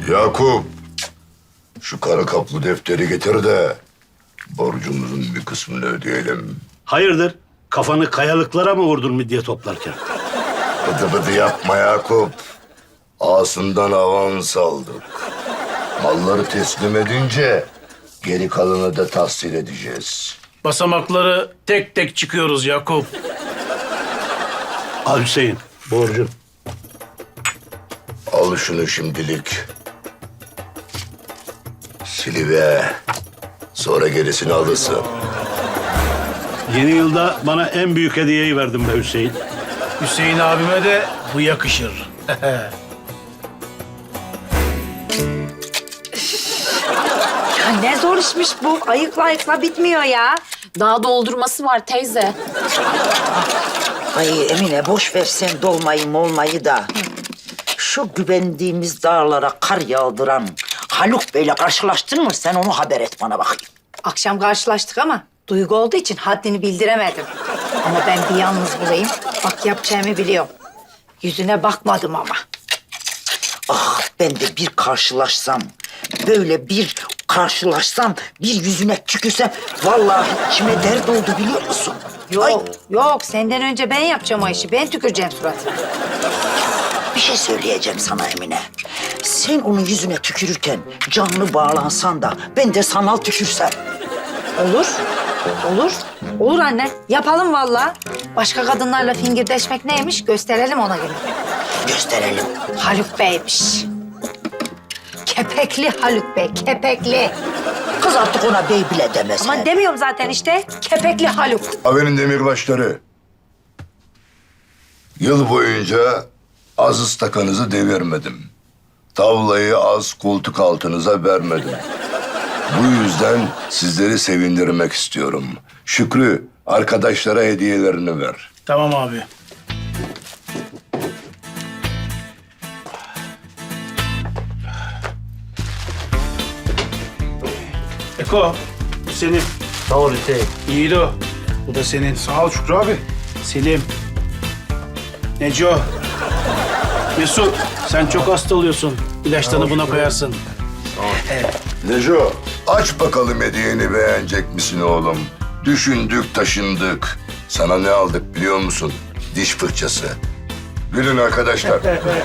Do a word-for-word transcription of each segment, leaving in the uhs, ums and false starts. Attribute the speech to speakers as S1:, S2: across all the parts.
S1: Yakup, şu kara kaplı defteri getir de borcumuzun bir kısmını ödeyelim.
S2: Hayırdır? Kafanı kayalıklara mı vurdun midye toplarken?
S1: Bıdı bıdı yapma Yakup. Ağasından avans aldık. Malları teslim edince geri kalanı da tahsil edeceğiz.
S3: Basamakları tek tek çıkıyoruz Yakup.
S2: Al Hüseyin, borcun.
S1: Al şunu şimdilik. Silive. Sonra gerisini alırsın.
S2: Yeni yılda bana en büyük hediyeyi verdin be Hüseyin.
S3: Hüseyin abime de bu yakışır.
S4: Ya ne zor işmiş bu. Ayıkla ayıkla bitmiyor ya.
S5: Daha doldurması var teyze.
S6: Ay Emine boş ver sen dolmayı molmayı da. Şu güvendiğimiz dağlara kar yağdıran Haluk Bey'le karşılaştın mı? Sen onu haber et bana bakayım.
S4: Akşam karşılaştık ama duygu olduğu için haddini bildiremedim. Ama ben bir yalnız bulayım. Bak yapacağımı biliyorum. Yüzüne bakmadım ama.
S6: Ah ben de bir karşılaşsam, böyle bir karşılaşsam, bir yüzüne tükürsem... ...vallahi içime dert oldu biliyor musun?
S4: Yok,
S6: Ay,
S4: yok. Senden önce ben yapacağım o işi. Ben tüküreceğim suratına.
S6: bir şey söyleyeceğim sana Emine. Sen onun yüzüne tükürürken canlı bağlansan da ben de sanal tükürsem.
S4: Olur. Olur. Olur anne. Yapalım vallahi. Başka kadınlarla fingirdeşmek neymiş gösterelim ona göre.
S6: Gösterelim.
S4: Haluk Bey'miş. Kepekli Haluk Bey, kepekli.
S6: Kız artık ona bey bile demez.
S4: Ama demiyorum zaten işte. Kepekli Haluk.
S1: Haberin demirbaşları. Yıl boyunca az ıstakanızı devirmedim. Tavlayı az koltuk altınıza vermedim. Bu yüzden sizleri sevindirmek istiyorum. Şükrü, arkadaşlara hediyelerini ver.
S3: Tamam abi. Eko, bu senin.
S7: Sağ ol Hüseyin.
S3: Yiğido, bu da senin.
S7: Sağ ol Şükrü abi.
S3: Selim. Neco. Mesut, sen çok hasta oluyorsun. İlaçlarını buna koyarsın.
S1: Neco, aç bakalım hediyeni beğenecek misin oğlum? Düşündük, taşındık. Sana ne aldık biliyor musun? Diş fırçası. Gülün arkadaşlar.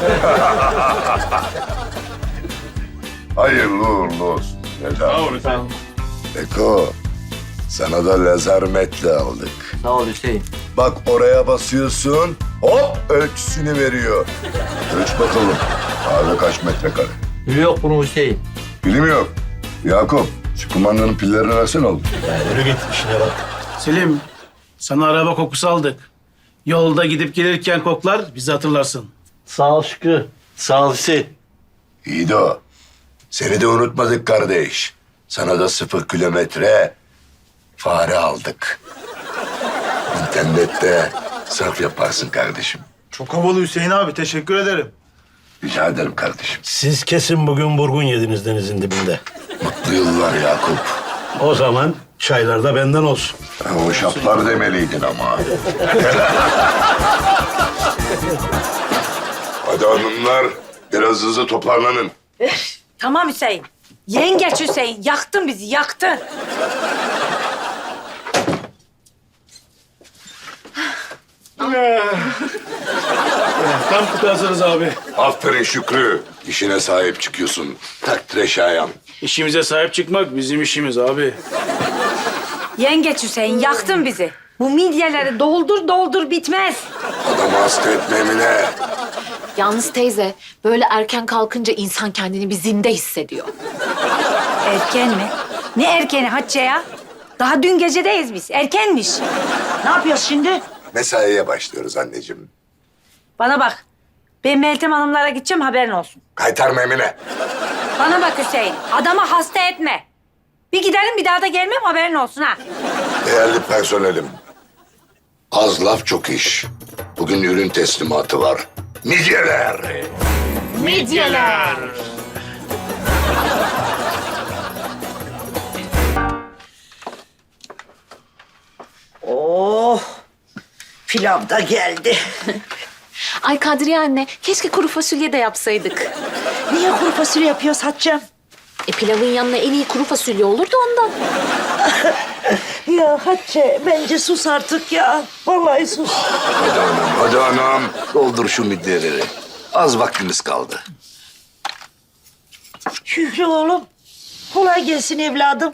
S1: Hayırlı uğurlu olsun. Sağ ol efendim. Eko, sana da lazer metle aldık.
S7: Sağ ol Hüseyin.
S1: Bak oraya basıyorsun, hop ölçüsünü veriyor. Ölç bakalım. Kahve kaç metrekare?
S7: Gülü yok bunun Hüseyin.
S1: Bilim yok. Yakup, şu kumandanın pillerini versene oğlum.
S2: Yürü git işine bak.
S3: Selim, sana araba kokusu aldık. Yolda gidip gelirken koklar, bizi hatırlarsın.
S7: Sağ ol Şükrü. Sağ ol Hüseyin.
S1: İyi de o. Seni de unutmadık kardeş. Sana da sıfır kilometre fare aldık. İnternette surf yaparsın kardeşim.
S8: Çok havalı Hüseyin abi. Teşekkür ederim.
S1: Rica ederim kardeşim.
S2: Siz kesin bugün burgun yediniz denizin dibinde.
S1: Mutlu yıllar Yakup.
S2: O zaman çaylar da benden olsun.
S1: Ha, o şaplar demeliydin ama. Hadi hanımlar, biraz hızlı toparlanın.
S4: Tamam Hüseyin. Yengeç Hüseyin. Yaktın bizi, yaktın.
S3: Tam kutarsınız abi.
S1: Aferin Şükrü. İşine sahip çıkıyorsun. Takdire şayan.
S3: İşimize sahip çıkmak bizim işimiz abi.
S4: Yengeç Hüseyin, yaktın bizi. Bu midyeleri doldur doldur bitmez.
S1: Adamı hasta etme Emine.
S5: Yalnız teyze, böyle erken kalkınca insan kendini bir zinde hissediyor.
S4: Erken mi? Ne erkeni Hatice ya? Daha dün gecedeyiz biz. Erkenmiş.
S6: Ne yapıyoruz şimdi?
S1: Mesaiye başlıyoruz anneciğim.
S4: Bana bak. Ben Meltem Hanımlara gideceğim, haberin olsun.
S1: Kaytarma Emine.
S4: Bana bak Hüseyin. Adamı hasta etme. Bir giderim, bir daha da gelmem, haberin olsun ha.
S1: Değerli personelim. Az laf çok iş. Bugün ürün teslimatı var. Midyeler.
S5: Midyeler.
S6: Oh, pilav da geldi.
S5: Ay Kadriye anne, keşke kuru fasulye de yapsaydık.
S6: Niye kuru fasulye yapıyoruz Hatice'm?
S5: E pilavın yanına en iyi kuru fasulye olur da ondan.
S6: Ya Hatice bence sus artık ya. Vallahi sus.
S1: Hadi anam, hadi anam. Doldur şu midyeleri. Az vaktimiz kaldı.
S6: Şükrü oğlum. Kolay gelsin evladım.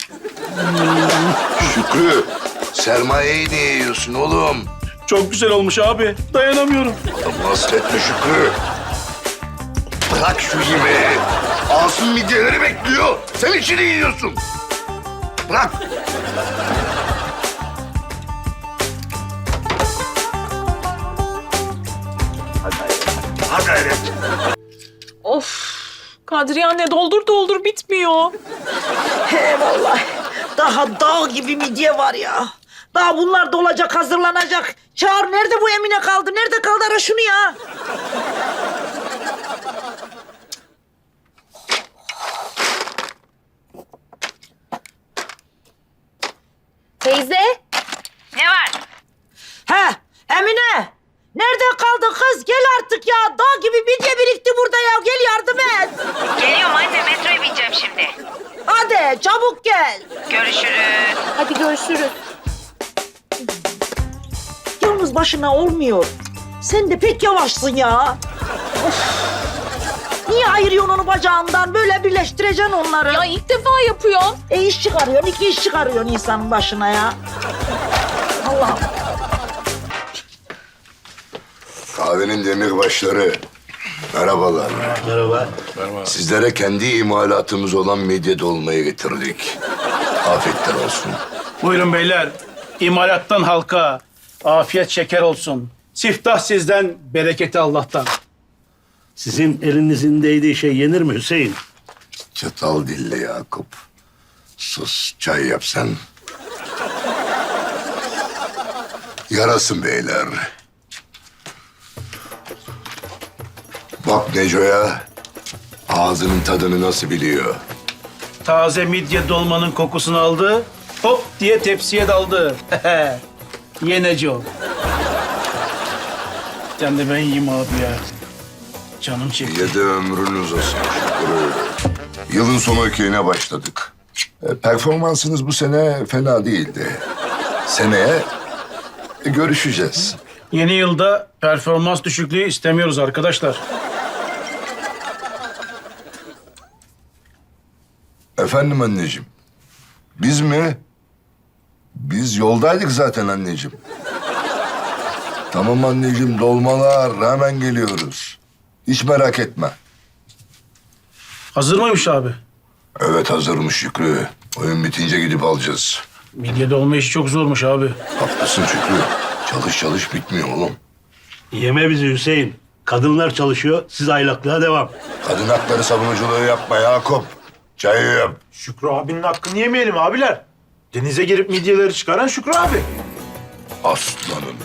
S1: Şükrü, sermayeyi niye yiyorsun oğlum?
S3: Çok güzel olmuş abi. Dayanamıyorum.
S1: Ama hasretme Şükrü. Bırak şu yemeği. Asım midyeleri bekliyor. Sen içini yiyorsun. Bırak. Hadi hayret.
S9: Of. Kadriye anne doldur doldur bitmiyor.
S6: He vallahi. Daha dağ gibi midye var ya. Daha bunlar dolacak, hazırlanacak. Çağır, nerede bu Emine kaldı? Nerede kaldı? Ara şunu ya.
S5: Teyze.
S6: He, Emine. Nerede kaldı kız? Gel artık ya. Dağ gibi midye birikti burada ya. Gel yardım et.
S10: Geliyorum anne, metroya bineceğim şimdi.
S6: Hadi çabuk gel.
S10: Görüşürüz.
S5: Hadi görüşürüz.
S6: Yalnız başına olmuyor. Sen de pek yavaşsın ya. Of. Niye ayırıyorsun onu bacağından? Böyle birleştireceksin onları.
S9: Ya ilk defa yapıyor.
S6: E iş çıkarıyorsun, iki iş çıkarıyorsun insanın başına ya. Allah'ım.
S1: Kahvenin demirbaşları. Merhabalar.
S2: Merhaba.
S1: Sizlere kendi imalatımız olan midye dolmayı getirdik. Afiyetler olsun.
S3: Buyurun beyler. İmalattan halka. Afiyet şeker olsun. Siftah sizden, bereketi Allah'tan.
S2: Sizin elinizin değdiği şey yenir mi Hüseyin?
S1: Çatal dilli Yakup. Sus, çay yap sen. Yarasın beyler. Bak Neco'ya. Ağzının tadını nasıl biliyor.
S3: Taze midye dolmanın kokusunu aldı. Hop diye tepsiye daldı. Yeneci o. Sen de ben yiyeyim abi ya. Canım çekti.
S1: Yedi ömrünüz olsun Şükrü. Yılın sonu ökeyine başladık. E, performansınız bu sene fena değildi. Seneye e, görüşeceğiz.
S3: Yeni yılda performans düşüklüğü istemiyoruz arkadaşlar.
S1: Efendim anneciğim. Biz mi? Biz yoldaydık zaten anneciğim. Tamam anneciğim, dolmalar, hemen geliyoruz. Hiç merak etme.
S3: Hazır mıymış abi?
S1: Evet, hazırmış Şükrü. Oyun bitince gidip alacağız.
S3: Midye dolma işi çok zormuş abi.
S1: Haklısın Şükrü. Çalış çalış bitmiyor oğlum.
S2: Yeme bizi Hüseyin. Kadınlar çalışıyor, siz aylaklığa devam.
S1: Kadın hakları savunuculuğu yapma Yakup. Çayı yap.
S8: Şükrü abinin hakkını yemeyelim abiler. Denize girip midyeleri çıkaran Şükrü abi.
S1: Aslanım.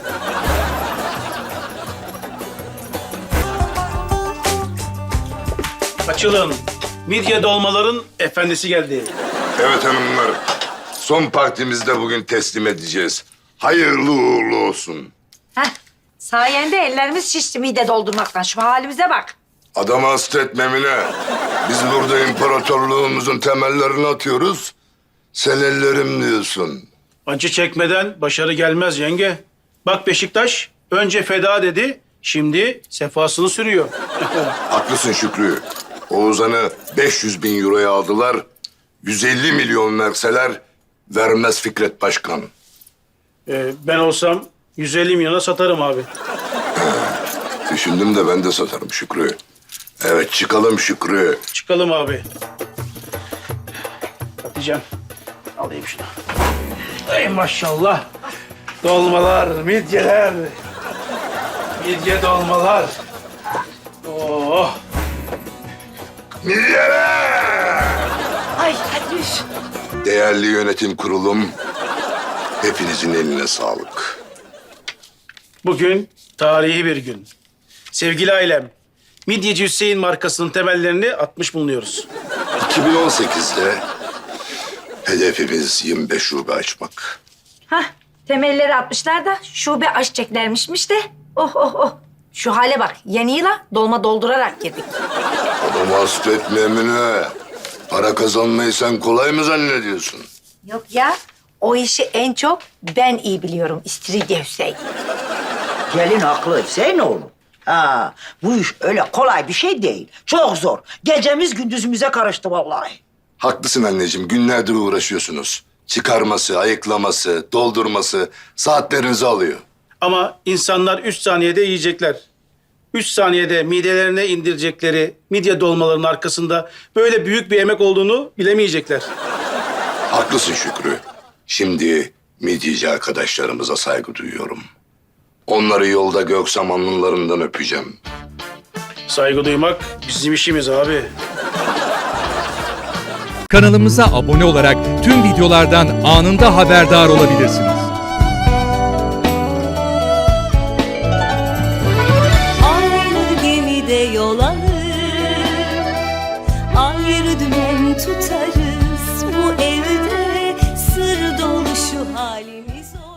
S3: Açılın. Midye dolmaların efendisi geldi.
S1: Evet hanımlar. Son partimizi de bugün teslim edeceğiz. Hayırlı uğurlu olsun.
S4: Heh, sayende ellerimiz şişti mide doldurmaktan. Şu halimize bak.
S1: Adamı hasta etme Emine. Biz burada imparatorluğumuzun temellerini atıyoruz. Sen ellerim diyorsun.
S3: Acı çekmeden başarı gelmez yenge. Bak Beşiktaş önce feda dedi, şimdi sefasını sürüyor.
S1: Haklısın Şükrü. Oğuzhan'ı beş yüz bin euroya aldılar. yüz elli milyon verseler vermez Fikret Başkan.
S3: Ee, ben olsam yüz elli milyona satarım abi.
S1: Düşündüm de ben de satarım Şükrü. Evet, çıkalım Şükrü.
S3: Çıkalım abi. Hatice'm alayım şunu. Ey maşallah. Dolmalar, midyeler. Midye dolmalar. Oh.
S1: Midyeler!
S4: Ay hadi üş.
S1: Değerli yönetim kurulum, hepinizin eline sağlık.
S3: Bugün tarihi bir gün. Sevgili ailem, Midyeci Hüseyin markasının temellerini atmış bulunuyoruz.
S1: iki bin on sekizde hedefimiz yirmi beş şube açmak.
S4: Hah, temelleri atmışlar da şube açacaklarmışmış de. Oh oh oh. Şu hale bak. Yeni yıla dolma doldurarak girdik.
S1: Adamı hasta etme Emine. Para kazanmayı sen kolay mı zannediyorsun?
S4: Yok ya. O işi en çok ben iyi biliyorum İstiridye Hüseyin.
S6: Gelin haklı Hüseyin oğlum. Ha, bu iş öyle kolay bir şey değil. Çok zor. Gecemiz gündüzümüze karıştı vallahi.
S1: Haklısın anneciğim. Günlerdir uğraşıyorsunuz. Çıkarması, ayıklaması, doldurması saatlerinizi alıyor.
S3: Ama insanlar üç saniyede yiyecekler. Üç saniyede midelerine indirecekleri midye dolmalarının arkasında böyle büyük bir emek olduğunu bilemeyecekler.
S1: Haklısın Şükrü. Şimdi midyeci arkadaşlarımıza saygı duyuyorum. Onları yolda göksem alnlarından öpeceğim.
S3: Saygı duymak bizim işimiz abi.
S11: Kanalımıza abone olarak tüm videolardan anında haberdar olabilirsiniz.
S12: Aynı gemide yol alır, ayrı dümen tutarız. Bu evde sır dolu şu halimiz olur.